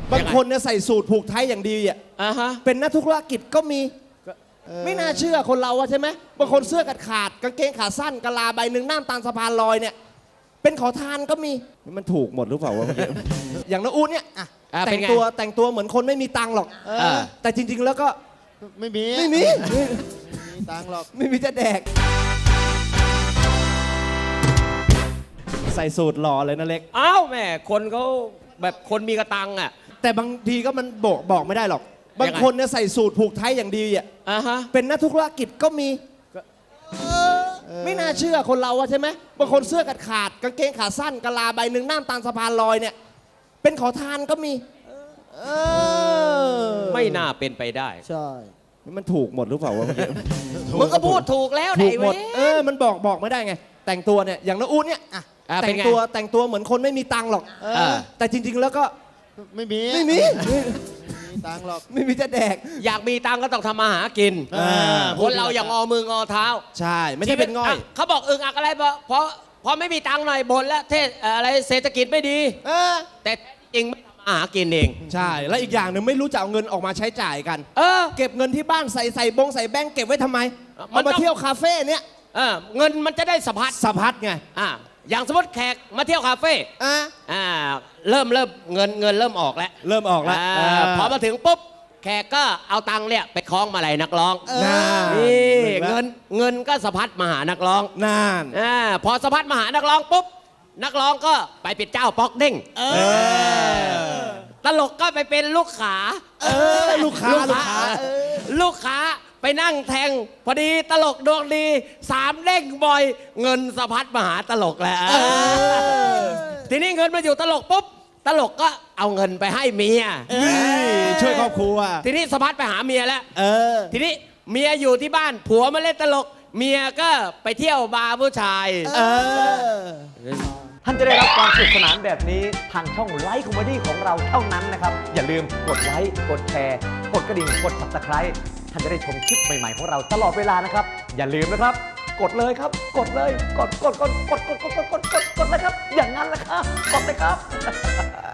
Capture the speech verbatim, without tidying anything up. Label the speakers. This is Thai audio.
Speaker 1: บางคนเนี่ยใส่สูทผูกไทยอย่างดีอ่ะ
Speaker 2: อ่าฮะ
Speaker 1: เป็นนักธุรกิจก็มีไม่น่าเชื่อคนเราอะใช่ไหมบางคนเสื้อกัดขาดกางเกงขาสั้นกะลาใบหนึ่งน้ำตาลสะพานลอยเนี่ยเป็นขอทานก็มีมันถูกหมดหรือเปล่าวะเมื่อกี้อย่างน้าอู๊ดเนี่ย
Speaker 2: อ่ะ
Speaker 1: แต่
Speaker 2: เป็น
Speaker 1: ง
Speaker 2: ไง
Speaker 1: ตัวแต่งตัวเหมือนคนไม่มีตังค์หรอก
Speaker 2: เออ
Speaker 1: แต่จริง ๆ แล้วก็
Speaker 3: ไม่มี
Speaker 1: ไม่มี
Speaker 3: ไม่มีตังค์หรอก
Speaker 1: ไม่มีจะแดก ใส่สูตรหล่อเลยนะเล็ก
Speaker 2: อ้าวแม่คนเขาแบบคนมีกระตังอ่ะ
Speaker 1: แต่บางทีก็มันบอกบอกไม่ได้หรอก บางคนเนี่ยใส่สูทผูกไทยอย่างดีอ่ะ
Speaker 2: อ่าฮะ
Speaker 1: เป็นนักธุรกิจก็มีไม่น่าเชื่อคนเราอะใช่ไหมบางคนเสื้อกัดขาดกางเกงขาสั้นกะลาใบหนึ่งน้ำตาลสะพานลอยเนี่ยเป็นขอทานก็มีเออ
Speaker 2: ไม่น่าเป็นไปได้
Speaker 3: ใช่
Speaker 1: มันถูกหมดหรือเปล่าวะเมื่อกี้
Speaker 2: มึงก็พูดถูกแล้วไหน
Speaker 1: ถูกหม
Speaker 2: เว้
Speaker 1: ด
Speaker 2: ย
Speaker 1: เออมันบอกบอกไม่ได้ไง แต่งตัวเนี่ยอย่างน้าอู๊ดเนี่ย
Speaker 2: อ่ะ
Speaker 1: แต่
Speaker 2: เป็น
Speaker 1: ง
Speaker 2: ไง
Speaker 1: ตัวแต่งตัวเหมือนคนไม่มีตังค์หรอก
Speaker 3: เอ
Speaker 2: เอ
Speaker 3: อ
Speaker 2: อ
Speaker 1: แต่จริง ๆ แล้วก็
Speaker 3: ไม่มี
Speaker 1: ไม่มี
Speaker 3: ไม่มีตังค์หรอก
Speaker 1: ไม่มีจะแดก
Speaker 2: อยากมีตังค์ก็ต้องทำมาหากิน
Speaker 3: เออ
Speaker 2: คนเราอย่างอมืองอเท้า
Speaker 1: ใช่ไม่ใช่เป็นง่อย
Speaker 2: ะเขาบอกอึงอักอะไรเพราะเพราะเพราะไม่มีตังค์หน่อยบ่นแล้วเทศอะไรเศรษฐกิจไม่ดี
Speaker 1: เออ
Speaker 2: แต่จริงไม่ทำมาหากินเอง
Speaker 1: ใช่แล้วอีกอย่างหนึ่งไม่รู้จะเอาเงินออกมาใช้จ่ายกัน
Speaker 2: เออ
Speaker 1: เก็บเงินที่บ้านใส่ใส่บงใส่แบงก์เก็บไว้ทำไม
Speaker 2: มัน
Speaker 1: เอา
Speaker 2: ต้
Speaker 1: มา
Speaker 2: อง
Speaker 1: เที่ยวคาเฟ่เนี่ย
Speaker 2: เออเงินมันจะได้สะพัด
Speaker 1: สะพัดไง
Speaker 2: อ่าอย่างสมมติแขกมาเที่ยวคาเฟ่
Speaker 1: อ่ะ
Speaker 2: อ่าเริ่มเริ่มเงินเงินเริ่มออกแล้ว
Speaker 1: เริ่มออกแล้ว
Speaker 2: อ่า
Speaker 1: เออ
Speaker 2: พอมาถึงปุ๊บแขกก็เอาตังค์เนี่ยไปคล้องมาลัยนักร้อง
Speaker 1: น่า
Speaker 2: นี่
Speaker 1: หนึ่งละ
Speaker 2: เงินเงินก็สะพัดมาหานักร้อง
Speaker 1: นาน
Speaker 2: อ่าพอสะพัดมาหานักร้องปุ๊บนักร้องก็ไปเป็นเจ้าป๊อกเด้ง
Speaker 1: เออ
Speaker 2: ตลกก็ไปเป็นลูกขา
Speaker 1: เออลูกค้าลูกค้าเออ
Speaker 2: ลูกค้าไปนั่งแทง พอดีตลกดวงดีสามเด้งบ่อย เงินสะพัดมาหาตลกแล้ว
Speaker 1: เออ
Speaker 2: ทีนี้เงินมาอยู่ตลกปุ๊บตลกก็เอาเงินไปให้เมีย
Speaker 1: นี่ช่วยครอบครัว
Speaker 2: ทีนี้สะพัดไปหาเมียแล้ว
Speaker 1: เออ
Speaker 2: ทีนี้เมียอยู่ที่บ้านผัวมาเล่นตลก เมียก็ไปเที่ยวบาร์ผู้ชาย
Speaker 1: เออ
Speaker 4: ท่านจะได้รับความสนุกสนานแบบนี้ทางช่องไลฟ์คอมเมดี้ของเราเท่านั้นนะครับ อย่าลืมกดไลค์กดแชร์กดกระดิ่งกด ซับสไครบ์ ท่านจะได้ชมคลิปใหม่ๆของเราตลอดเวลานะครับ อย่าลืมนะครับ กดเลยครับ กดเลย กดกดกดกดกดกดกดกดกดกดเลยครับ อย่างนั้นแหละครับ กดเลยครับ